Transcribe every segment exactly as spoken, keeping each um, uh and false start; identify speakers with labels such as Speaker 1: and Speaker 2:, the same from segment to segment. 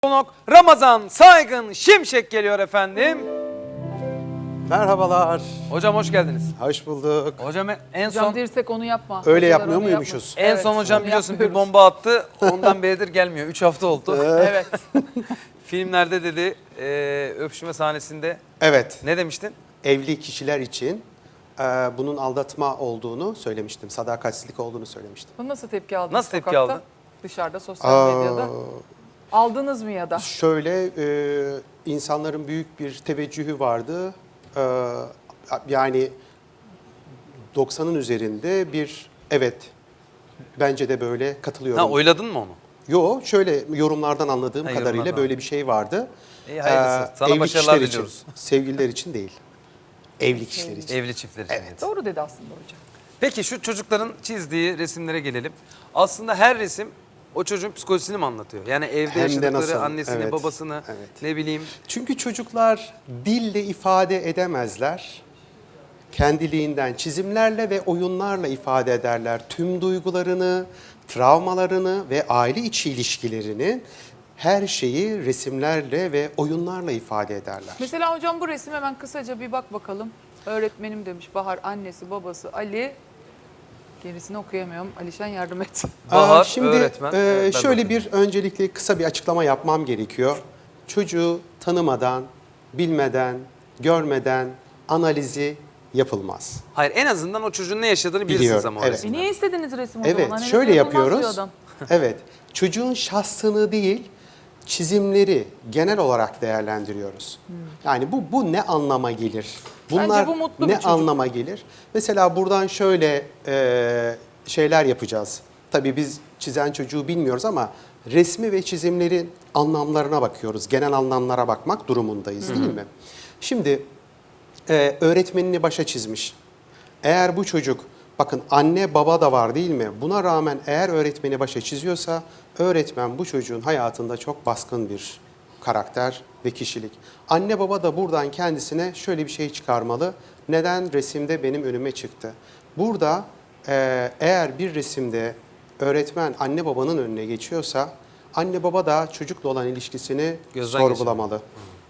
Speaker 1: Konuk Ramazan Saygın Şimşek geliyor efendim.
Speaker 2: Merhabalar.
Speaker 1: Hocam hoş geldiniz.
Speaker 2: Hoş bulduk.
Speaker 1: Hocam en
Speaker 3: Hocam
Speaker 1: son
Speaker 3: dirsek onu yapma.
Speaker 2: Öyle
Speaker 3: Hocalar
Speaker 2: yapmıyor
Speaker 3: onu
Speaker 2: muymuşuz?
Speaker 3: yapma.
Speaker 1: en
Speaker 3: Evet,
Speaker 1: son hocam
Speaker 3: onu
Speaker 1: biliyorsun bir
Speaker 3: yapmıyoruz.
Speaker 1: bomba attı. Ondan beridir gelmiyor. üç hafta oldu.
Speaker 3: Evet.
Speaker 1: Filmlerde dedi e, öpüşme sahnesinde
Speaker 2: Evet,
Speaker 1: ne demiştin?
Speaker 2: evli kişiler için e, bunun aldatma olduğunu söylemiştim. Sadakatsizlik olduğunu söylemiştim.
Speaker 3: Bunu nasıl tepki aldınız
Speaker 1: Nasıl tepki
Speaker 3: sokakta?
Speaker 1: aldın?
Speaker 3: Dışarıda, sosyal
Speaker 2: Aa,
Speaker 3: medyada. Aldınız mı ya da?
Speaker 2: Şöyle, e, insanların büyük bir teveccühü vardı. E, yani doksanın üzerinde bir evet, bence de böyle katılıyorum.
Speaker 1: Ha oyladın mı onu?
Speaker 2: Yo, şöyle yorumlardan anladığım
Speaker 1: Ha,
Speaker 2: kadarıyla
Speaker 1: yorumlardan.
Speaker 2: böyle bir şey vardı.
Speaker 1: İyi hayırlısı.
Speaker 2: Ee,
Speaker 1: Sana
Speaker 2: evli
Speaker 1: başarılar
Speaker 2: kişiler
Speaker 1: diliyoruz.
Speaker 2: için, sevgililer için değil. Evli kişiler için.
Speaker 1: Evli çiftler için.
Speaker 2: Evet.
Speaker 3: Doğru dedi aslında hocam.
Speaker 1: Peki şu çocukların çizdiği resimlere gelelim. Aslında her resim o çocuğun psikolojisini mi anlatıyor? Yani evde
Speaker 2: Hem de
Speaker 1: yaşadıkları
Speaker 2: nasıl?
Speaker 1: annesini,
Speaker 2: Evet,
Speaker 1: babasını,
Speaker 2: evet.
Speaker 1: ne bileyim.
Speaker 2: Çünkü çocuklar dille ifade edemezler. Kendiliğinden çizimlerle ve oyunlarla ifade ederler. Tüm duygularını, travmalarını ve aile içi ilişkilerini, her şeyi resimlerle ve oyunlarla ifade ederler.
Speaker 3: Mesela hocam bu resim hemen kısaca bir bak bakalım. Öğretmenim demiş Bahar, annesi, babası Ali. Gerisini okuyamıyorum. Alişan yardım et.
Speaker 1: Bahar,
Speaker 2: Aa, şimdi
Speaker 1: öğretmen.
Speaker 2: e,
Speaker 1: Evet, ben
Speaker 2: şöyle
Speaker 1: bakayım.
Speaker 2: bir öncelikle kısa bir açıklama yapmam gerekiyor. Çocuğu tanımadan, bilmeden, görmeden analizi yapılmaz.
Speaker 1: Hayır en azından o çocuğun ne yaşadığını bilirsiniz
Speaker 2: Biliyorum,
Speaker 1: ama o
Speaker 2: evet.
Speaker 3: E
Speaker 1: resimden.
Speaker 3: niye istediniz resim o
Speaker 2: Evet,
Speaker 3: zaman? Hani
Speaker 2: şöyle
Speaker 3: yapılmaz diyor
Speaker 2: yapıyoruz.
Speaker 3: adam.
Speaker 2: Evet, çocuğun şahsını değil, çizimleri genel olarak değerlendiriyoruz. Yani bu bu ne anlama gelir? Bunlar
Speaker 3: Bence bu mutlu bir
Speaker 2: ne
Speaker 3: çocuk.
Speaker 2: anlama gelir? Mesela buradan şöyle e, şeyler yapacağız. Tabii biz çizen çocuğu bilmiyoruz ama resmi ve çizimlerin anlamlarına bakıyoruz. Genel anlamlara bakmak durumundayız, değil mi? Şimdi e, öğretmenini başa çizmiş. Eğer bu çocuk, bakın anne baba da var değil mi? Buna rağmen eğer öğretmeni başa çiziyorsa, öğretmen bu çocuğun hayatında çok baskın bir karakter ve kişilik. Anne baba da buradan kendisine şöyle bir şey çıkarmalı. Neden resimde benim önüme çıktı? Burada e, eğer bir resimde öğretmen anne babanın önüne geçiyorsa, anne baba da çocukla olan ilişkisini
Speaker 1: Gözden
Speaker 2: sorgulamalı.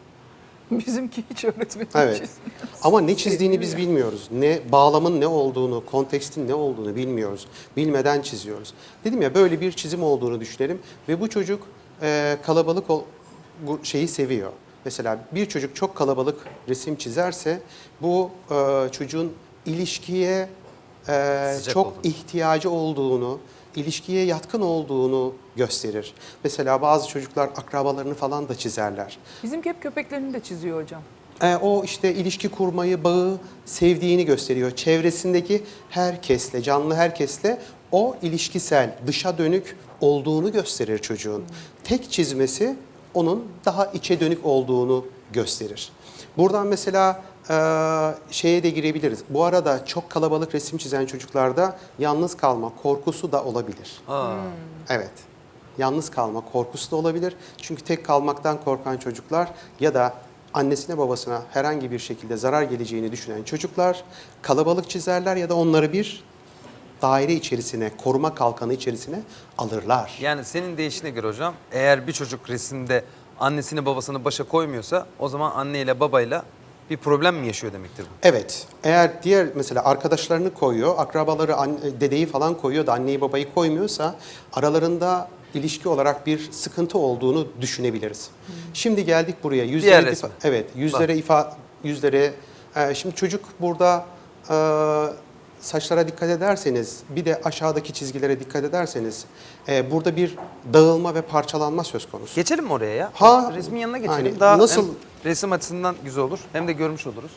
Speaker 3: Bizimki hiç öğretmenim
Speaker 2: Evet.
Speaker 3: çizmiyor.
Speaker 2: Ama ne çizdiğini biz bilmiyoruz. Ne bağlamın ne olduğunu, kontekstin ne olduğunu bilmiyoruz. Bilmeden çiziyoruz. Dedim ya böyle bir çizim olduğunu düşünelim ve bu çocuk e, kalabalık ol, bu şeyi seviyor. Mesela bir çocuk çok kalabalık resim çizerse bu e, çocuğun ilişkiye e,
Speaker 1: Sıcak
Speaker 2: çok
Speaker 1: olduğunu.
Speaker 2: ihtiyacı olduğunu, ilişkiye yatkın olduğunu gösterir. Mesela bazı çocuklar akrabalarını falan da çizerler.
Speaker 3: Bizimki hep köpeklerini de çiziyor hocam.
Speaker 2: E, o işte ilişki kurmayı, bağı sevdiğini gösteriyor. Çevresindeki herkesle, canlı herkesle o ilişkisel, dışa dönük olduğunu gösterir çocuğun. Tek çizmesi onun daha içe dönük olduğunu gösterir. Buradan mesela e, şeye de girebiliriz. Bu arada çok kalabalık resim çizen çocuklarda yalnız kalma korkusu da olabilir.
Speaker 1: Aa.
Speaker 2: Evet. Yalnız kalma korkusu da olabilir. Çünkü tek kalmaktan korkan çocuklar ya da annesine babasına herhangi bir şekilde zarar geleceğini düşünen çocuklar kalabalık çizerler ya da onları bir daire içerisine, koruma kalkanı içerisine alırlar.
Speaker 1: Yani senin deyişine göre hocam eğer bir çocuk resimde annesini babasını başa koymuyorsa o zaman anneyle babayla bir problem mi yaşıyor demektir bu?
Speaker 2: Evet. Eğer diğer mesela arkadaşlarını koyuyor, akrabaları, anne, dedeyi falan koyuyor da anneyi babayı koymuyorsa aralarında ilişki olarak bir sıkıntı olduğunu düşünebiliriz. Şimdi geldik buraya. Yüzlere
Speaker 1: Diğer
Speaker 2: ifa-
Speaker 1: resme.
Speaker 2: Evet, yüzlere ifa yüzlere e, şimdi çocuk burada e, saçlara dikkat ederseniz, bir de aşağıdaki çizgilere dikkat ederseniz e, burada bir dağılma ve parçalanma söz konusu.
Speaker 1: Geçelim mi oraya ya?
Speaker 2: Ha,
Speaker 1: Resmin yanına geçelim.
Speaker 2: aynen.
Speaker 1: Daha
Speaker 2: Nasıl-
Speaker 1: hem resim açısından güzel olur hem de görmüş oluruz.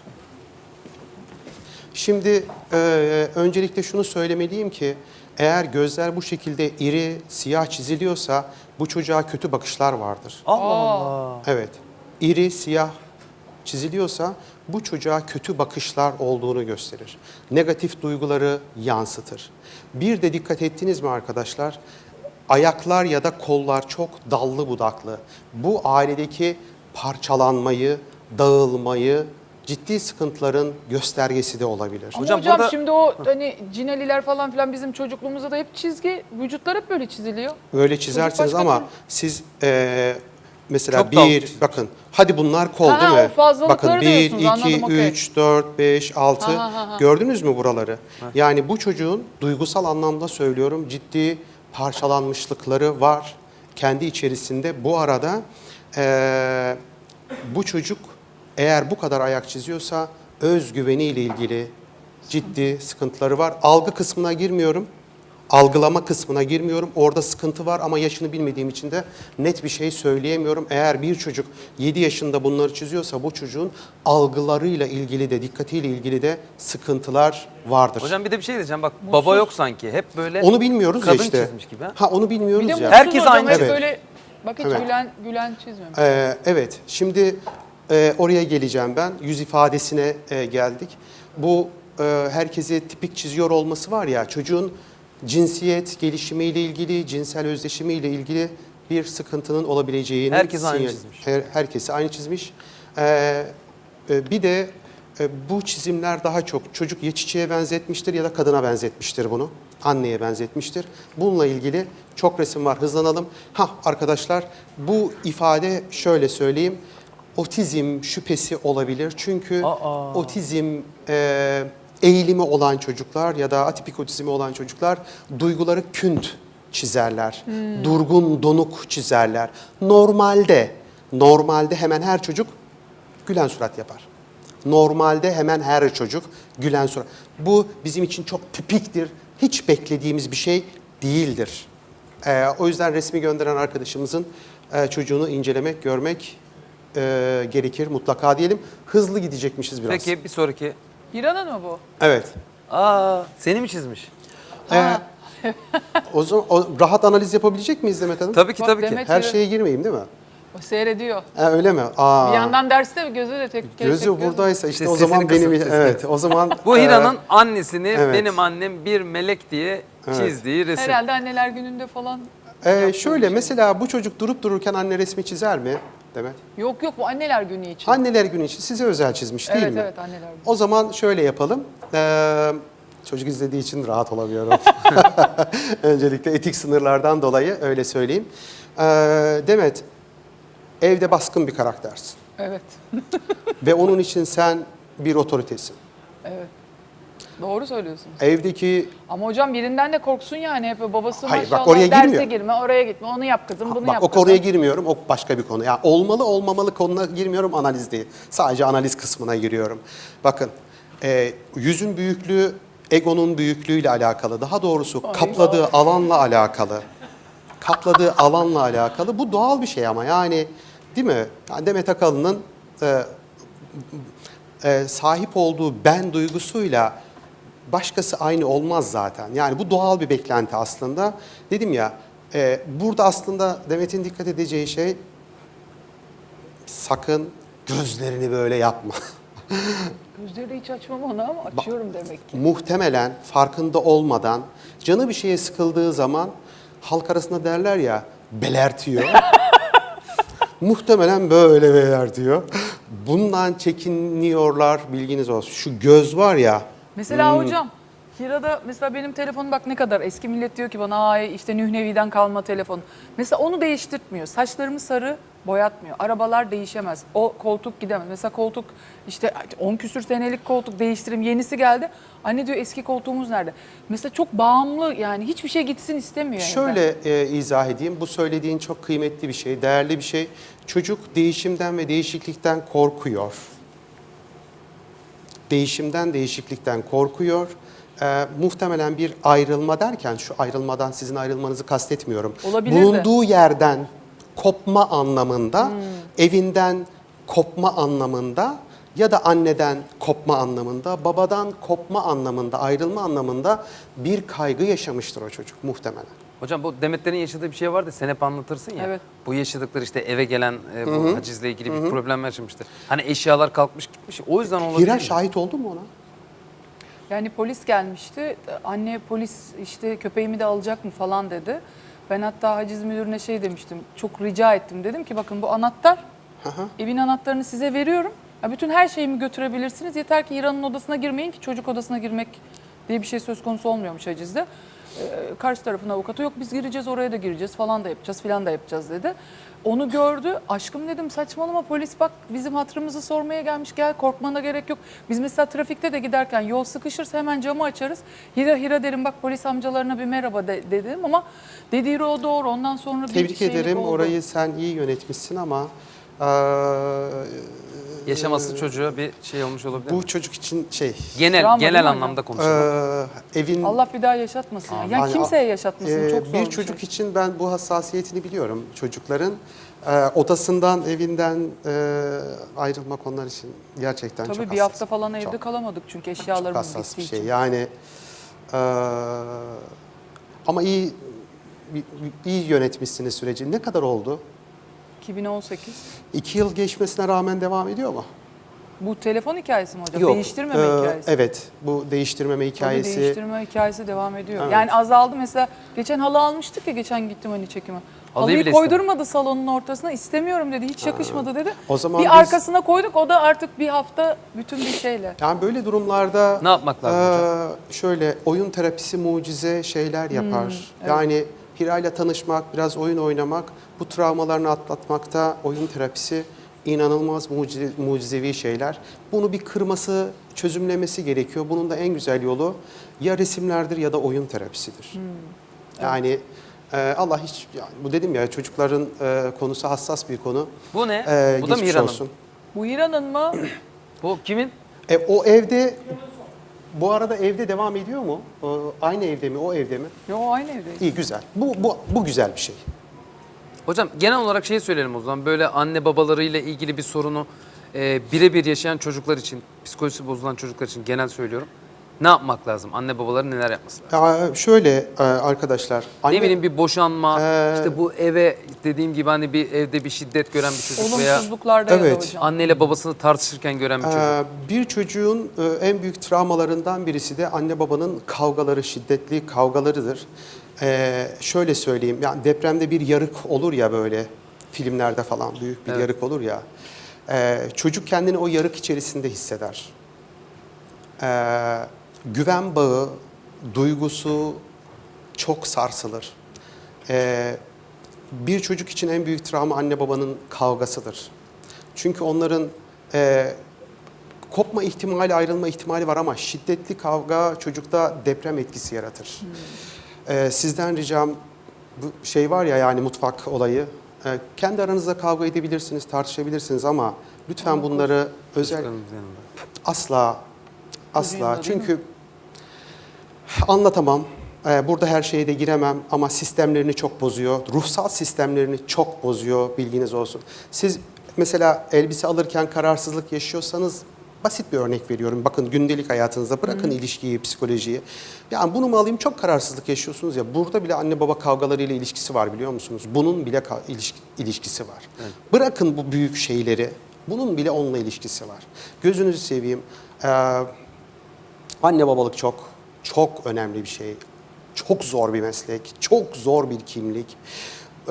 Speaker 2: Şimdi e, öncelikle şunu söylemeliyim ki eğer gözler bu şekilde iri, siyah çiziliyorsa bu çocuğa kötü bakışlar vardır.
Speaker 1: Allah
Speaker 3: Aa.
Speaker 1: Allah.
Speaker 2: Evet, iri, siyah çiziliyorsa bu çocuğa kötü bakışlar olduğunu gösterir. Negatif duyguları yansıtır. Bir de dikkat ettiniz mi arkadaşlar? Ayaklar ya da kollar çok dallı budaklı. Bu ailedeki parçalanmayı, dağılmayı, ciddi sıkıntıların göstergesi de olabilir.
Speaker 3: Ama
Speaker 1: Hocam
Speaker 3: hocam,
Speaker 1: burada-
Speaker 3: şimdi o hani cineliler falan filan bizim çocukluğumuzda da hep çizgi, vücutlar hep böyle çiziliyor.
Speaker 2: Öyle çizersiniz
Speaker 3: başka
Speaker 2: ama
Speaker 3: türlü-
Speaker 2: siz e, mesela
Speaker 1: Çok dalga
Speaker 2: bir,
Speaker 1: çizmiş.
Speaker 2: bakın hadi bunlar kol
Speaker 3: Ha,
Speaker 2: değil
Speaker 3: o
Speaker 2: mi?
Speaker 3: fazlalıkları
Speaker 2: Bakın bir,
Speaker 3: diyorsunuz, anladım,
Speaker 2: iki,
Speaker 3: okey.
Speaker 2: üç, dört, beş, altı.
Speaker 3: Ha, ha, ha.
Speaker 2: Gördünüz mü buraları? Yani bu çocuğun duygusal anlamda söylüyorum ciddi parçalanmışlıkları var kendi içerisinde. Bu arada eee, bu çocuk eğer bu kadar ayak çiziyorsa özgüveniyle ilgili ciddi sıkıntıları var. Algı kısmına girmiyorum. Algılama kısmına girmiyorum. Orada sıkıntı var ama yaşını bilmediğim için de net bir şey söyleyemiyorum. Eğer bir çocuk yedi yaşında bunları çiziyorsa bu çocuğun algılarıyla ilgili de dikkatiyle ilgili de sıkıntılar vardır.
Speaker 1: Hocam bir de bir şey diyeceğim. Bak baba yok sanki. Hep böyle
Speaker 2: onu bilmiyoruz ya
Speaker 1: kadın
Speaker 2: işte.
Speaker 1: çizmiş gibi. Ha?
Speaker 2: Ha onu bilmiyoruz
Speaker 3: Bir de
Speaker 2: ya.
Speaker 3: mutsuz
Speaker 1: Herkes
Speaker 3: hocam,
Speaker 1: aynı.
Speaker 3: hep
Speaker 2: Evet.
Speaker 3: böyle bak hiç
Speaker 2: Evet.
Speaker 3: gülen, gülen çizmemiş.
Speaker 2: Ee, evet, şimdi e, oraya geleceğim ben. Yüz ifadesine e, geldik. Bu e, herkese tipik çiziyor olması var ya, çocuğun cinsiyet gelişimiyle ilgili, cinsel özdeşimiyle ilgili bir sıkıntının olabileceğini...
Speaker 1: Herkes aynı
Speaker 2: sinyal-
Speaker 1: çizmiş.
Speaker 2: Her, herkesi aynı çizmiş. Ee, e, bir de e, bu çizimler daha çok çocuk ya çiçeğe benzetmiştir ya da kadına benzetmiştir bunu. Anneye benzetmiştir. Bununla ilgili çok resim var. Hızlanalım. Ha arkadaşlar, bu ifade şöyle söyleyeyim. Otizm şüphesi olabilir. Çünkü
Speaker 1: Aa.
Speaker 2: otizm e, eğilimi olan çocuklar ya da atipik otizmi olan çocuklar duyguları künt çizerler. Durgun, donuk çizerler. Normalde, normalde hemen her çocuk gülen surat yapar. Normalde hemen her çocuk gülen surat. Bu bizim için çok tipiktir. Hiç beklediğimiz bir şey değildir. Ee, o yüzden resmi gönderen arkadaşımızın e, çocuğunu incelemek, görmek e, gerekir mutlaka diyelim. Hızlı gidecekmişiz biraz.
Speaker 1: Peki bir sonraki.
Speaker 3: İran'ın mı bu?
Speaker 2: Evet.
Speaker 1: Aa, seni mi çizmiş?
Speaker 2: Ee, o zaman o, rahat analiz yapabilecek miyiz Demet Hanım?
Speaker 1: Tabii ki
Speaker 3: Bak
Speaker 1: tabii ki.
Speaker 3: Demet-
Speaker 2: Her şeye girmeyeyim değil mi?
Speaker 3: O seyrediyor.
Speaker 2: Ha, öyle mi? Aa.
Speaker 3: Bir yandan derste gözü de tek tek
Speaker 2: Gözü
Speaker 3: tek
Speaker 2: buradaysa işte
Speaker 1: İşte
Speaker 2: o zaman
Speaker 1: sesini
Speaker 2: benim
Speaker 1: kısıp sesini.
Speaker 2: evet o zaman
Speaker 1: Bu
Speaker 2: e,
Speaker 1: Hira'nın annesini
Speaker 2: evet.
Speaker 1: benim annem bir melek diye
Speaker 2: Evet.
Speaker 1: çizdiği resim.
Speaker 3: Herhalde anneler gününde falan.
Speaker 2: e,
Speaker 3: yaptığı
Speaker 2: şöyle
Speaker 3: bir şey.
Speaker 2: mesela bu çocuk durup dururken anne resmi çizer mi Demet?
Speaker 3: Yok yok, bu anneler günü için.
Speaker 2: Anneler günü için size özel çizmiş değil
Speaker 3: evet
Speaker 2: mi?
Speaker 3: evet anneler günü.
Speaker 2: O zaman şöyle yapalım. Ee, çocuk izlediği için rahat olamıyorum. Öncelikle etik sınırlardan dolayı öyle söyleyeyim. Ee, Demet, evde baskın bir karaktersin.
Speaker 3: Evet.
Speaker 2: Ve onun için sen bir otoritesin.
Speaker 3: Evet. Doğru söylüyorsun.
Speaker 2: Evdeki
Speaker 3: Ama hocam birinden de korksun yani, hep babası
Speaker 2: Hayır, bak
Speaker 3: maşallah
Speaker 2: oraya
Speaker 3: derse
Speaker 2: girmiyor.
Speaker 3: girme, oraya gitme, onu yap kızım, bunu
Speaker 2: bak
Speaker 3: yap
Speaker 2: o
Speaker 3: kızım.
Speaker 2: konuya girmiyorum. O başka bir konu. Yani olmalı olmamalı konuna girmiyorum, analiz değil. Sadece analiz kısmına giriyorum. Bakın, e, yüzün büyüklüğü egonun büyüklüğüyle alakalı. Daha doğrusu kapladığı alanla alakalı. Kapladığı alanla alakalı. Bu doğal bir şey ama yani değil mi? Yani Demet Akalın'ın e, e, sahip olduğu ben duygusuyla başkası aynı olmaz zaten. Yani bu doğal bir beklenti aslında. Dedim ya, e, burada aslında Demet'in dikkat edeceği şey sakın gözlerini böyle yapma.
Speaker 3: Gözleri hiç açmam ona ama açıyorum demek ki.
Speaker 2: Muhtemelen farkında olmadan canı bir şeye sıkıldığı zaman halk arasında derler ya belertiyor. Muhtemelen böyle belertiyor. Bundan çekiniyorlar, bilginiz olsun. Şu göz var ya.
Speaker 3: Mesela
Speaker 2: Hmm.
Speaker 3: hocam, Hira'da mesela benim telefonum bak ne kadar eski, millet diyor ki bana ay işte Nühnevi'den kalma telefon. Mesela onu değiştirtmiyor. Saçlarımı sarı boyatmıyor. Arabalar değişemez. O koltuk gidemez. Mesela koltuk işte on küsür senelik koltuk değiştirim, yenisi geldi. Anne diyor eski koltuğumuz nerede? Mesela çok bağımlı, yani hiçbir şey gitsin istemiyor. evden.
Speaker 2: Şöyle e, izah edeyim. Bu söylediğin çok kıymetli bir şey, değerli bir şey. Çocuk değişimden ve değişiklikten korkuyor. Değişimden, değişiklikten korkuyor. E, muhtemelen bir ayrılma derken, şu ayrılmadan sizin ayrılmanızı kastetmiyorum.
Speaker 3: Olabilir de.
Speaker 2: Bulunduğu yerden kopma anlamında, evinden kopma anlamında ya da anneden kopma anlamında, babadan kopma anlamında, ayrılma anlamında bir kaygı yaşamıştır o çocuk muhtemelen.
Speaker 1: Hocam bu Demetlerin yaşadığı bir şey vardı. Sen hep anlatırsın ya.
Speaker 3: Evet.
Speaker 1: Bu yaşadıkları işte eve gelen e, bu hacizle ilgili bir problem yaşamıştı. Hani eşyalar kalkmış gitmiş. O yüzden olabilir.
Speaker 2: Hira
Speaker 1: mi?
Speaker 2: şahit oldu mu ona?
Speaker 3: Yani polis gelmişti. Anne polis işte köpeğimi de alacak mı falan dedi. Ben hatta haciz müdürüne şey demiştim. Çok rica ettim. Dedim ki bakın bu anahtar. Evin anahtarını size veriyorum. Ya bütün her şeyimi götürebilirsiniz. Yeter ki Hira'nın odasına girmeyin ki çocuk odasına girmek diye bir şey söz konusu olmuyormuş hacizde. e, karşı tarafın avukatı yok biz gireceğiz oraya da gireceğiz falan da yapacağız filan da yapacağız dedi. Onu gördü. Aşkım dedim saçmalama polis bak bizim hatırımızı sormaya gelmiş gel korkmana gerek yok. Biz mesela trafikte de giderken yol sıkışırsa hemen camı açarız. Hira hira derim bak polis amcalarına bir merhaba de, dedim ama dediği o doğru. Ondan sonra bir
Speaker 2: Tebrik
Speaker 3: şeylik
Speaker 2: ederim.
Speaker 3: oldu.
Speaker 2: Orayı sen iyi yönetmişsin ama eee,
Speaker 1: Yaşaması çocuğa bir şey olmuş olabilir
Speaker 2: bu
Speaker 1: mi?
Speaker 2: çocuk için şey
Speaker 1: Genel
Speaker 3: Travma değil mi
Speaker 1: genel
Speaker 3: hocam?
Speaker 1: anlamda konuşalım.
Speaker 2: eee, evin
Speaker 3: Allah bir daha yaşatmasın. ya. Yani
Speaker 2: Yani,
Speaker 3: kimseye yaşatmasın.
Speaker 2: eee,
Speaker 3: Çok zor
Speaker 2: bir
Speaker 3: bir
Speaker 2: çocuk
Speaker 3: şey.
Speaker 2: için ben bu hassasiyetini biliyorum çocukların. Eee, odasından, evinden eee, ayrılmak onlar için gerçekten
Speaker 3: Tabii
Speaker 2: çok
Speaker 3: bir
Speaker 2: hassas.
Speaker 3: hafta falan evde
Speaker 2: Çok-
Speaker 3: kalamadık çünkü
Speaker 2: Çok
Speaker 3: eşyalarımız
Speaker 2: hassas
Speaker 3: gittiği
Speaker 2: bir şey.
Speaker 3: için.
Speaker 2: Yani eee, ama iyi iyi yönetmişsiniz süreci. Ne kadar oldu?
Speaker 3: iki bin on sekiz.
Speaker 2: İki yıl geçmesine rağmen devam ediyor mu?
Speaker 3: Bu telefon hikayesi mi hocam?
Speaker 2: Yok.
Speaker 3: Değiştirmeme
Speaker 2: Ee,
Speaker 3: hikayesi.
Speaker 2: Evet. Bu değiştirmeme
Speaker 3: Tabii
Speaker 2: hikayesi.
Speaker 3: değiştirme hikayesi devam ediyor.
Speaker 2: Evet.
Speaker 3: Yani azaldı mesela. Geçen halı almıştık ya geçen gittim hani çekime.
Speaker 1: Halıyı
Speaker 3: Halıyı
Speaker 1: bile
Speaker 3: koydurmadı salonun ortasına. İstemiyorum dedi. Hiç yakışmadı dedi.
Speaker 2: O zaman
Speaker 3: bir
Speaker 2: biz-
Speaker 3: arkasına koyduk. O da artık bir hafta bütün bir şeyle.
Speaker 2: Yani böyle durumlarda
Speaker 1: Ne yapmak lazım hocam?
Speaker 2: eee, şöyle oyun terapisi mucize şeyler
Speaker 3: Hmm,
Speaker 2: yapar. Yani Hira'yla tanışmak, biraz oyun oynamak, bu travmalarını atlatmakta oyun terapisi inanılmaz mucize, mucizevi şeyler. Bunu bir kırması, çözümlemesi gerekiyor. Bunun da en güzel yolu ya resimlerdir ya da oyun terapisidir.
Speaker 3: Hmm,
Speaker 2: Yani e, Allah hiç, yani bu dedim ya çocukların e, konusu hassas bir konu.
Speaker 1: Bu ne?
Speaker 2: E,
Speaker 1: Bu da
Speaker 2: geçmiş
Speaker 1: Mihran'ın.
Speaker 2: olsun.
Speaker 3: Bu İran'ın mı?
Speaker 1: Bu kimin?
Speaker 2: E, o evde, bu arada evde devam ediyor mu? O, aynı evde mi, o evde mi?
Speaker 3: Yo aynı evdeyiz.
Speaker 2: İyi, güzel. Bu, bu, bu güzel bir şey.
Speaker 1: Hocam genel olarak şey söyleyelim o zaman. Böyle anne babalarıyla ilgili bir sorunu e, birebir yaşayan çocuklar için, psikolojisi bozulan çocuklar için genel söylüyorum. Ne yapmak lazım? Anne babaların neler yapması lazım?
Speaker 2: Ya şöyle e, arkadaşlar. Anne,
Speaker 1: Ne bileyim bir boşanma,
Speaker 2: Ee,
Speaker 1: işte bu eve dediğim gibi hani bir evde bir şiddet gören bir çocuk veya
Speaker 3: Olumsuzluklarda ya da
Speaker 2: Evet.
Speaker 3: hocam.
Speaker 1: anneyle babasını tartışırken gören bir çocuk.
Speaker 2: e, bir çocuğun e, en büyük travmalarından birisi de anne babanın kavgaları, şiddetli kavgalarıdır. E, şöyle söyleyeyim, yani depremde bir yarık olur ya böyle filmlerde falan büyük bir
Speaker 1: Evet.
Speaker 2: yarık olur ya. E, çocuk kendini o yarık içerisinde hisseder. E, güven bağı, duygusu çok sarsılır. E, bir çocuk için en büyük travma anne babanın kavgasıdır. Çünkü onların e, kopma ihtimali, ayrılma ihtimali var ama şiddetli kavga çocukta deprem etkisi yaratır. E, sizden ricam, bu şey var ya yani mutfak olayı, e, kendi aranızda kavga edebilirsiniz, tartışabilirsiniz ama lütfen bunları özel
Speaker 1: Çocuklarımızın yanında.
Speaker 2: asla asla
Speaker 3: yanında değil
Speaker 2: çünkü anlatamam. Ee, Burada her şeye de giremem ama sistemlerini çok bozuyor. Ruhsal sistemlerini çok bozuyor, bilginiz olsun. Siz mesela elbise alırken kararsızlık yaşıyorsanız, basit bir örnek veriyorum. Bakın gündelik hayatınızda bırakın ilişkiyi, psikolojiyi. Yani bunu mu alayım, çok kararsızlık yaşıyorsunuz ya. Burada bile anne baba kavgalarıyla ilişkisi var biliyor musunuz? Bunun bile ka- ilişki- ilişkisi var. Bırakın bu büyük şeyleri. Bunun bile onunla ilişkisi var. Gözünüzü seveyim. Ee, anne babalık çok, çok önemli bir şey. Çok zor bir meslek, çok zor bir kimlik. Ee,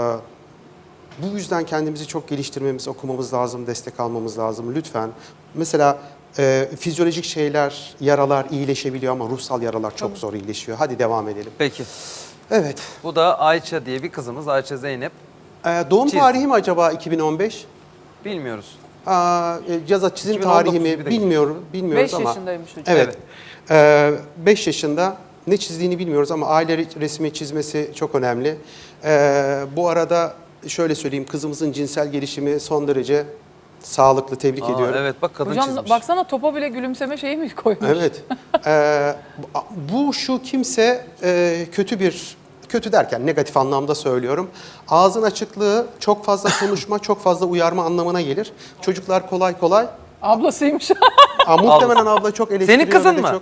Speaker 2: bu yüzden kendimizi çok geliştirmemiz, okumamız lazım, destek almamız lazım. Lütfen. Mesela e, fizyolojik şeyler, yaralar iyileşebiliyor ama ruhsal yaralar çok zor iyileşiyor. Hadi devam edelim.
Speaker 1: Peki.
Speaker 2: Evet.
Speaker 1: Bu da Ayça diye bir kızımız. Ayça Zeynep.
Speaker 2: Ee, doğum
Speaker 1: Çiz.
Speaker 2: tarihi mi acaba iki bin on beş?
Speaker 1: Bilmiyoruz.
Speaker 2: Aa, e, yaza çizim
Speaker 1: iki bin on dokuz
Speaker 2: tarihi mi
Speaker 1: gibi de
Speaker 2: bilmiyorum, bilmiyoruz
Speaker 3: beş
Speaker 2: ama.
Speaker 3: yaşındaymış hocam.
Speaker 2: Evet. Ee, beş yaşında ne çizdiğini bilmiyoruz ama aile resmi çizmesi çok önemli. Ee, bu arada şöyle söyleyeyim, kızımızın cinsel gelişimi son derece sağlıklı, tebrik
Speaker 1: Aa,
Speaker 2: ediyorum.
Speaker 1: evet bak kadın
Speaker 3: Hocam
Speaker 1: çizmiş.
Speaker 3: baksana topa bile gülümseme şeyi mi koymuş?
Speaker 2: Evet. Ee, bu şu kimse e, kötü bir, kötü derken negatif anlamda söylüyorum. Ağzın açıklığı, çok fazla konuşma, çok fazla uyarma anlamına gelir. Çocuklar kolay kolay.
Speaker 3: Ablasıymış.
Speaker 2: Aa, muhtemelen abla çok eleştiriyor.
Speaker 1: Senin kızın
Speaker 2: ve de
Speaker 1: mı?
Speaker 2: Çok...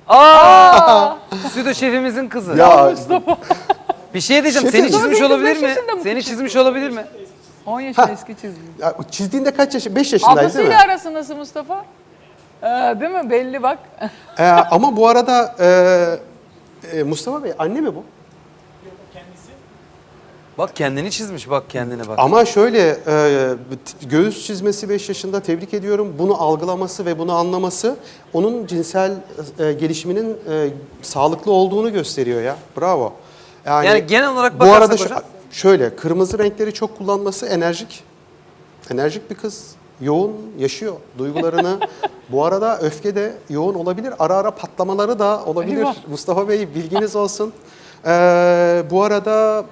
Speaker 1: Aa! Stüdyo şefimizin kızı.
Speaker 2: Ya
Speaker 3: Mustafa.
Speaker 1: Bir şey diyeceğim.
Speaker 2: Şefim.
Speaker 1: Seni çizmiş
Speaker 3: Sonra
Speaker 1: olabilir
Speaker 3: beş
Speaker 1: mi?
Speaker 3: yaşında mı
Speaker 1: Seni
Speaker 3: küçük?
Speaker 1: çizmiş olabilir mi?
Speaker 3: on yaşında eski çizgi.
Speaker 2: Ya, çizdiğinde kaç yaş? beş yaşındaydı değil mi?
Speaker 3: Ablasıyla arası nasıl Mustafa? Ee, değil mi? Belli bak.
Speaker 2: Ee, ama bu arada e, e, Mustafa Bey anne mi bu?
Speaker 1: Bak kendini çizmiş, bak kendine bak.
Speaker 2: Ama şöyle e, göğüs çizmesi beş yaşında, tebrik ediyorum. Bunu algılaması ve bunu anlaması onun cinsel e, gelişiminin e, sağlıklı olduğunu gösteriyor ya. Bravo.
Speaker 1: Yani genel olarak
Speaker 2: bu
Speaker 1: bakarsak
Speaker 2: arada şu-
Speaker 1: hocam-
Speaker 2: şöyle kırmızı renkleri çok kullanması enerjik. Enerjik bir kız. Yoğun yaşıyor duygularını. Bu arada öfke de yoğun olabilir. Ara ara patlamaları da olabilir.
Speaker 3: Eyvah.
Speaker 2: Mustafa Bey bilginiz olsun. Ee, bu arada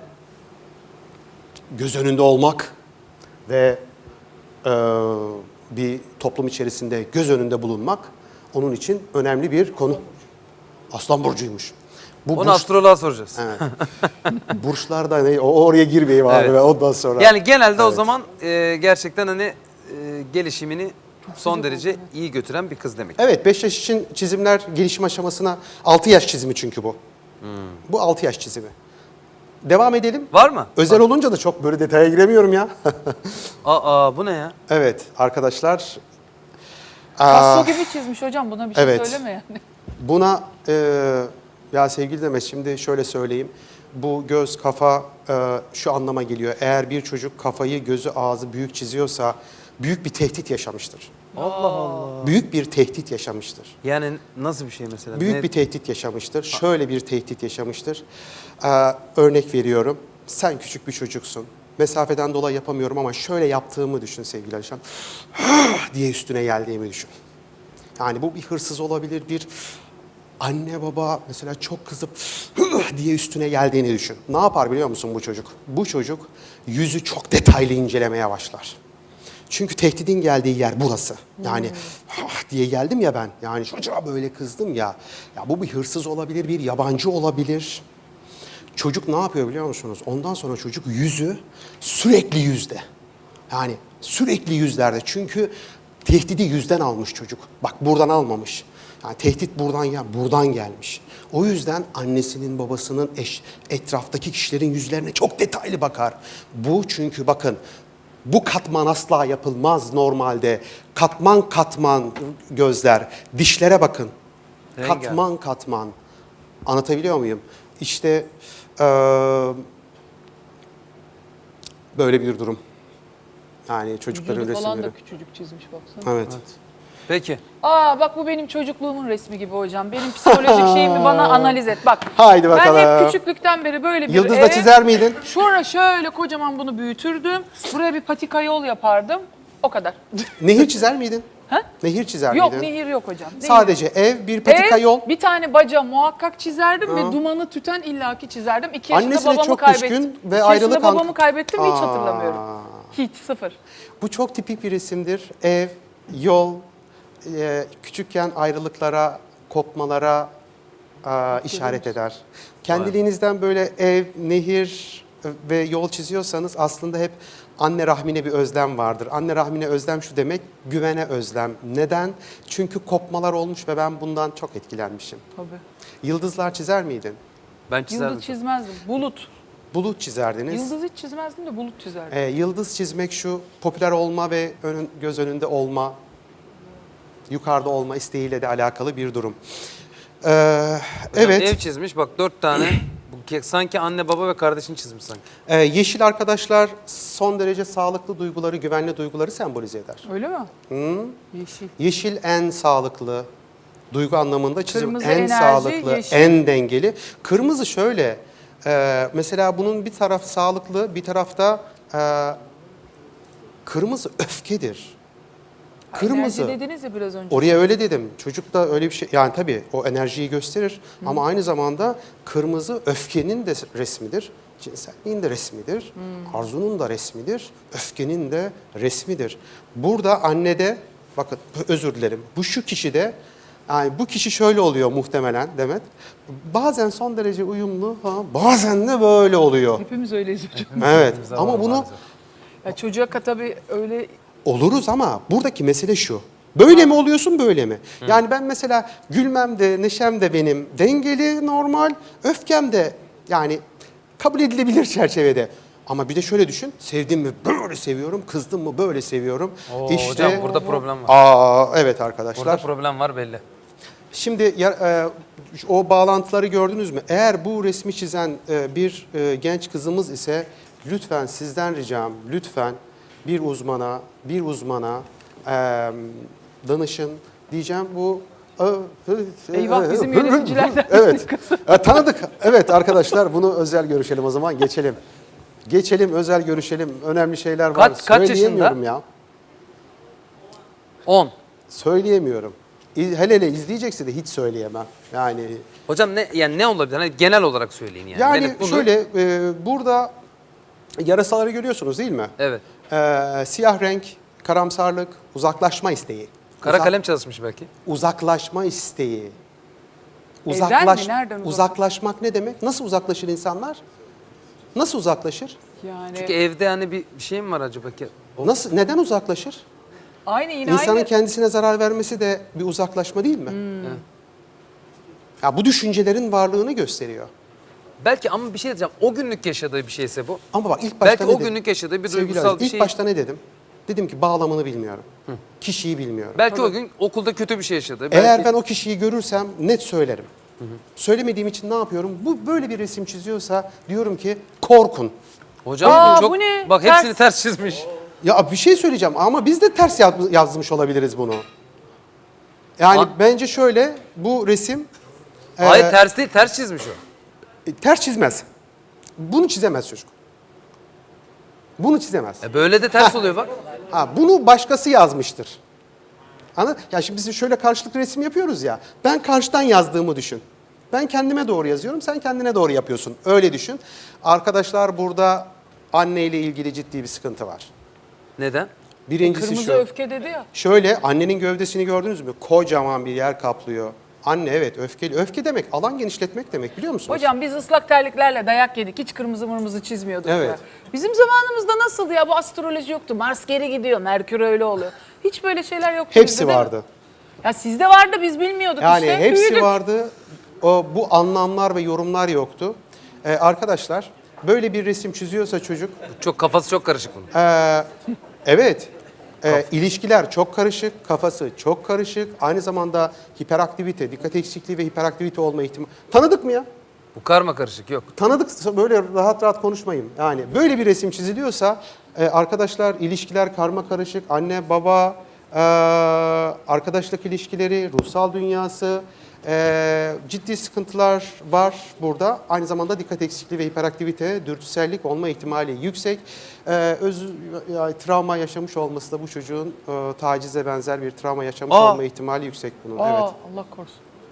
Speaker 2: göz önünde olmak ve e, bir toplum içerisinde göz önünde bulunmak onun için önemli bir konu. Aslan burcuymuş. Bu
Speaker 1: Onu
Speaker 2: burç-
Speaker 1: astroloğa soracağız.
Speaker 2: Evet. Burçlarda ne? O oraya girmeyeyim abi
Speaker 1: Evet.
Speaker 2: ben ondan sonra.
Speaker 1: Yani genelde o
Speaker 2: Evet.
Speaker 1: zaman e, gerçekten hani e, gelişimini son derece iyi götüren bir kız demek.
Speaker 2: Evet, beş yaş için çizimler gelişim aşamasına altı yaş çizimi çünkü bu. Bu altı yaş çizimi. Devam edelim.
Speaker 1: Var mı?
Speaker 2: Özel olunca da çok böyle detaya giremiyorum ya.
Speaker 1: Aa bu ne ya?
Speaker 2: Evet arkadaşlar.
Speaker 3: Passo
Speaker 2: aa,
Speaker 3: gibi çizmiş hocam, buna bir şey
Speaker 2: Evet.
Speaker 3: söyleme yani.
Speaker 2: Buna e, ya sevgili Demet şimdi şöyle söyleyeyim. Bu göz, kafa e, şu anlama geliyor. Eğer bir çocuk kafayı, gözü, ağzı büyük çiziyorsa büyük bir tehdit yaşamıştır.
Speaker 1: Allah Allah.
Speaker 2: Büyük bir tehdit yaşamıştır.
Speaker 1: Yani nasıl bir şey mesela?
Speaker 2: Büyük
Speaker 1: Ne-
Speaker 2: bir tehdit yaşamıştır. Şöyle bir tehdit yaşamıştır. Ee, örnek veriyorum. Sen küçük bir çocuksun. Mesafeden dolayı yapamıyorum ama şöyle yaptığımı düşün sevgili Alişan. diye üstüne geldiğimi düşün. Yani bu bir hırsız olabilir, bir anne baba mesela çok kızıp diye üstüne geldiğini düşün. Ne yapar biliyor musun bu çocuk? Bu çocuk yüzü çok detaylı incelemeye başlar. Çünkü tehditin geldiği yer burası. Yani "Ah" diye geldim ya ben. Yani çocuğa böyle kızdım ya. Ya bu bir hırsız olabilir, bir yabancı olabilir. Çocuk ne yapıyor biliyor musunuz? Ondan sonra çocuk yüzü sürekli yüzde. Yani sürekli yüzlerde. Çünkü tehdidi yüzden almış çocuk. Bak buradan almamış. Yani tehdit buradan ya buradan gelmiş. O yüzden annesinin, babasının, eş, etraftaki kişilerin yüzlerine çok detaylı bakar. Bu çünkü bakın bu katman asla yapılmaz normalde. Katman katman gözler. Dişlere bakın.
Speaker 1: Rengarenk.
Speaker 2: Katman katman. Anlatabiliyor muyum? İşte eee, böyle bir durum. Yani çocukların
Speaker 3: Vücudu falan
Speaker 2: resimleri.
Speaker 3: da küçücük çizmiş baksana.
Speaker 2: Evet.
Speaker 1: Peki.
Speaker 3: Aa bak bu benim çocukluğumun resmi gibi hocam. Benim psikolojik şeyimi bana analiz et. Bak.
Speaker 2: Haydi bakalım.
Speaker 3: Ben hep küçüklükten beri böyle bir
Speaker 2: Yıldız
Speaker 3: ev,
Speaker 2: da çizer miydin?
Speaker 3: Şuraya şöyle kocaman bunu büyütürdüm. Buraya bir patika yol yapardım. O kadar.
Speaker 2: Nehir çizer miydin?
Speaker 3: Ha?
Speaker 2: Nehir çizer
Speaker 3: Yok
Speaker 2: miydin?
Speaker 3: nehir yok hocam. Nehir.
Speaker 2: Sadece ev, bir patika
Speaker 3: Ev,
Speaker 2: yol.
Speaker 3: bir tane baca muhakkak çizerdim ve dumanı tüten illaki çizerdim. İki yaşında
Speaker 2: Annesine
Speaker 3: babamı
Speaker 2: çok
Speaker 3: kaybettim.
Speaker 2: düşkün ve
Speaker 3: İki
Speaker 2: ayrılık
Speaker 3: yaşında
Speaker 2: an-
Speaker 3: babamı kaybettim ve hiç
Speaker 2: Aa.
Speaker 3: hatırlamıyorum. Hiç, sıfır.
Speaker 2: Bu çok tipik bir resimdir. Ev, yol, e, küçükken ayrılıklara, kopmalara e, işaret eder. Kendiliğinizden böyle ev, nehir ve yol çiziyorsanız aslında hep anne rahmine bir özlem vardır. Anne rahmine özlem şu demek, güvene özlem. Neden? Çünkü kopmalar olmuş ve ben bundan çok etkilenmişim.
Speaker 3: Tabii.
Speaker 2: Yıldızlar çizer miydin?
Speaker 1: Ben çizerdim.
Speaker 3: Yıldız çizmezdim. Bulut.
Speaker 2: Bulut çizerdiniz.
Speaker 3: Yıldız hiç çizmezdim de bulut çizerdim.
Speaker 2: Ee, yıldız çizmek şu, popüler olma ve önün, göz önünde olma, yukarıda olma isteğiyle de alakalı bir durum. Ee,
Speaker 1: Hocam
Speaker 2: evet,
Speaker 1: Ev çizmiş bak dört tane. Bu ke- sanki anne baba ve kardeşini çizmiş sanki.
Speaker 2: e, yeşil arkadaşlar son derece sağlıklı duyguları, güvenli duyguları sembolize eder.
Speaker 3: Öyle mi?
Speaker 2: Hı?
Speaker 3: Yeşil.
Speaker 2: Yeşil en sağlıklı, duygu anlamında çizim
Speaker 3: Kırmızı
Speaker 2: en
Speaker 3: enerji,
Speaker 2: sağlıklı,
Speaker 3: yeşil.
Speaker 2: en dengeli. Kırmızı şöyle, e, mesela bunun bir taraf sağlıklı, bir tarafta e, kırmızı öfkedir. Kırmızı.
Speaker 3: Enerji dediniz ya biraz önce.
Speaker 2: Oraya öyle dedim. Çocuk da öyle bir şey, yani tabii o enerjiyi gösterir ama aynı zamanda kırmızı öfkenin de resmidir. Cinselliğin de resmidir. Arzunun da resmidir. Öfkenin de resmidir. Burada annede, bakın özür dilerim, bu şu kişide, yani bu kişi şöyle oluyor muhtemelen Demet. Bazen son derece uyumlu, ha, bazen de böyle oluyor.
Speaker 3: Hepimiz öyleyiz hocam.
Speaker 2: Evet
Speaker 1: Hepimizde
Speaker 2: ama
Speaker 1: var
Speaker 2: bunu
Speaker 1: maalesef.
Speaker 3: Ya çocuğa tabii öyle
Speaker 2: oluruz ama buradaki mesele şu. Böyle mi oluyorsun, böyle mi? Yani ben mesela gülmem de, neşem de benim dengeli, normal, öfkem de yani kabul edilebilir çerçevede. Ama bir de şöyle düşün, sevdim mi böyle seviyorum, kızdım mı böyle seviyorum.
Speaker 1: Oo,
Speaker 2: işte,
Speaker 1: hocam burada problem var.
Speaker 2: Aa, evet
Speaker 1: Burada
Speaker 2: arkadaşlar.
Speaker 1: problem var belli.
Speaker 2: Şimdi ya- e, o bağlantıları gördünüz mü? Eğer bu resmi çizen e, bir e, genç kızımız ise lütfen sizden ricam, lütfen bir uzmana, bir uzmana e, danışın diyeceğim. Bu
Speaker 3: Eyvah, bizim yöneticilerden.
Speaker 2: Evet. E, tanıdık. Evet arkadaşlar, bunu özel görüşelim o zaman. Geçelim. Geçelim, özel görüşelim. Önemli şeyler var.
Speaker 1: Kaç- kaç yaşında?
Speaker 2: Söyleyemiyorum ya.
Speaker 1: on.
Speaker 2: Söyleyemiyorum. İ- Hele hele izleyecekse de hiç söyleyemem. Yani
Speaker 1: Hocam ne yani ne olabilir? Hani genel olarak söyleyin yani.
Speaker 2: yani
Speaker 1: Melek bunu-
Speaker 2: şöyle e, burada yarasaları görüyorsunuz değil mi?
Speaker 1: Evet.
Speaker 2: E, siyah renk, karamsarlık, uzaklaşma isteği.
Speaker 1: Kara
Speaker 2: Uzak-
Speaker 1: kalem çalışmış belki.
Speaker 2: Uzaklaşma isteği.
Speaker 3: Evden mi?
Speaker 2: Uzaklaş,
Speaker 3: Nereden uzak-
Speaker 2: uzaklaşmak ne demek? Nasıl uzaklaşır insanlar? Nasıl uzaklaşır?
Speaker 3: Yani
Speaker 1: Çünkü evde hani bir şey mi var acaba ki? O-
Speaker 2: Nasıl? Neden uzaklaşır?
Speaker 3: aynı yine
Speaker 2: İnsanın
Speaker 3: aynı.
Speaker 2: kendisine zarar vermesi de bir uzaklaşma değil mi?
Speaker 1: Evet.
Speaker 2: Ya bu düşüncelerin varlığını gösteriyor.
Speaker 1: Belki ama bir şey diyeceğim. O günlük yaşadığı bir şeyse bu.
Speaker 2: Ama bak ilk başta
Speaker 1: Belki
Speaker 2: ne
Speaker 1: o
Speaker 2: dedim?
Speaker 1: günlük yaşadığı bir
Speaker 2: Sevgili
Speaker 1: duygusal
Speaker 2: Aziz,
Speaker 1: bir
Speaker 2: ilk
Speaker 1: şey.
Speaker 2: başta ne dedim? Dedim ki bağlamını bilmiyorum. Kişiyi bilmiyorum.
Speaker 1: Belki o gün okulda kötü bir şey yaşadı.
Speaker 2: Eğer
Speaker 1: Belki-
Speaker 2: ben o kişiyi görürsem net söylerim. Söylemediğim için ne yapıyorum? Bu böyle bir resim çiziyorsa diyorum ki korkun.
Speaker 1: Hocam
Speaker 3: Aa,
Speaker 1: çok
Speaker 3: bu ne?
Speaker 1: bak
Speaker 3: Ters.
Speaker 1: hepsini ters çizmiş.
Speaker 2: Ya bir şey söyleyeceğim ama biz de ters yaz- yazmış olabiliriz bunu. Yani
Speaker 1: Ha?
Speaker 2: bence şöyle bu resim e,
Speaker 1: Hayır ters değil, ters çizmiş o.
Speaker 2: e, ters çizmez. Bunu çizemez çocuk. Bunu çizemez.
Speaker 1: E böyle de ters oluyor bak.
Speaker 2: Ha, bunu başkası yazmıştır. Anladın? Ya şimdi biz şöyle karşılıklı resim yapıyoruz ya. Ben karşıdan yazdığımı düşün. Ben kendime doğru yazıyorum, sen kendine doğru yapıyorsun. Öyle düşün. Arkadaşlar burada anneyle ilgili ciddi bir sıkıntı var.
Speaker 1: Neden?
Speaker 2: Birincisi
Speaker 3: Kırmızı
Speaker 2: şu.
Speaker 3: öfke dedi ya.
Speaker 2: Şöyle annenin gövdesini gördünüz mü? Kocaman bir yer kaplıyor. Anne evet öfkeli. Öfke demek alan genişletmek demek biliyor musunuz?
Speaker 3: Hocam biz ıslak terliklerle dayak yedik. Hiç kırmızı mırmızı çizmiyorduk.
Speaker 2: Evet.
Speaker 3: ya. Bizim zamanımızda nasıldı ya? Bu astroloji yoktu. Mars geri gidiyor. Merkür öyle oluyor. Hiç böyle şeyler yoktu.
Speaker 2: Hepsi
Speaker 3: bizde, değil mi?
Speaker 2: vardı.
Speaker 3: Ya sizde vardı biz bilmiyorduk
Speaker 2: Yani
Speaker 3: işte.
Speaker 2: hepsi
Speaker 3: büyüdük.
Speaker 2: vardı. O, bu anlamlar ve yorumlar yoktu. Ee, arkadaşlar böyle bir resim çiziyorsa çocuk
Speaker 1: Çok kafası çok karışık bunun.
Speaker 2: Ee, evet. Ee, ilişkiler çok karışık, kafası çok karışık. Aynı zamanda hiperaktivite, dikkat eksikliği ve hiperaktivite olma ihtimali. Tanıdık mı ya?
Speaker 1: Bu karma karışık yok.
Speaker 2: Tanıdık böyle rahat rahat konuşmayın. Yani böyle bir resim çiziliyorsa e, arkadaşlar ilişkiler karma karışık. Anne, baba, e, arkadaşlık ilişkileri, ruhsal dünyası, e, ciddi sıkıntılar var burada. Aynı zamanda dikkat eksikliği ve hiperaktivite, dürtüsellik olma ihtimali yüksek. E, öz, yani, travma yaşamış olması da bu çocuğun e, tacize benzer bir travma yaşamış
Speaker 3: Aa.
Speaker 2: olma ihtimali yüksek bunun.
Speaker 3: Aa,
Speaker 2: Evet.
Speaker 3: Allah korusun.